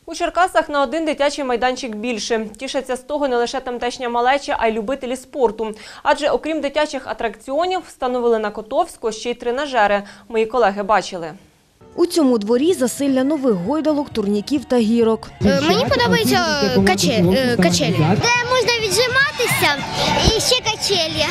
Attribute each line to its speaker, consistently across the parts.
Speaker 1: У Черкасах на один дитячий майданчик більше. Тішаться з того не лише тамтешня малеча, а й любителі спорту. Адже окрім дитячих атракціонів, встановили на Котовську ще й тренажери. Мої колеги бачили.
Speaker 2: У цьому дворі засилля нових гойдалок, турніків та гірок.
Speaker 3: Мені подобаються качелі, де можна віджиматися і ще качелі.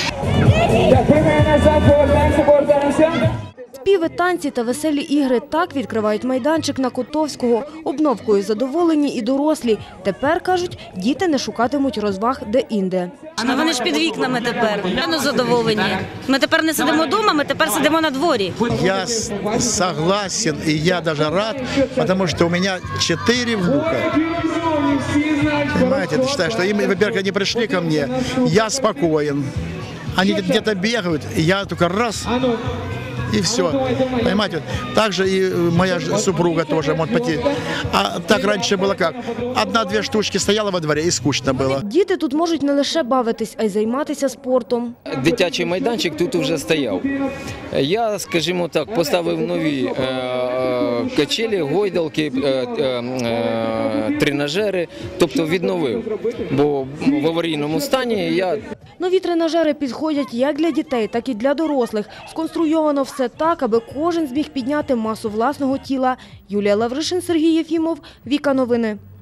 Speaker 2: Співи, танці та веселі ігри – так відкривають майданчик на Котовського. Обновкою задоволені і дорослі. Тепер, кажуть, діти не шукатимуть розваг де-інде.
Speaker 4: А вони ж під вікнами тепер. Ми задоволені. Ми тепер не сидимо вдома, ми тепер сидимо на дворі.
Speaker 5: Я согласен и я даже рад, потому что у меня 4 внука. Понимаете, я считаю, что им, во-первых, они пришли ко мне, я спокоен. Они где-то бегают, и я только раз... И все. Понимаете? Также и моя супруга тоже может пойти. А так раньше было как? 1-2 штучки стояла во дворе и скучно было.
Speaker 2: Діти тут можуть не лише бавитись, а й займатися спортом.
Speaker 6: Дитячий майданчик тут вже стояв. Я, скажімо так, поставив нові качелі, гойдалки, тренажери, тобто відновив. Бо в аварійному стані я...
Speaker 2: Нові тренажери підходять як для дітей, так і для дорослих. Сконструйовано все так, аби кожен зміг підняти масу власного тіла. Юлія Лавришин, Сергій Єфімов, Віка Новини.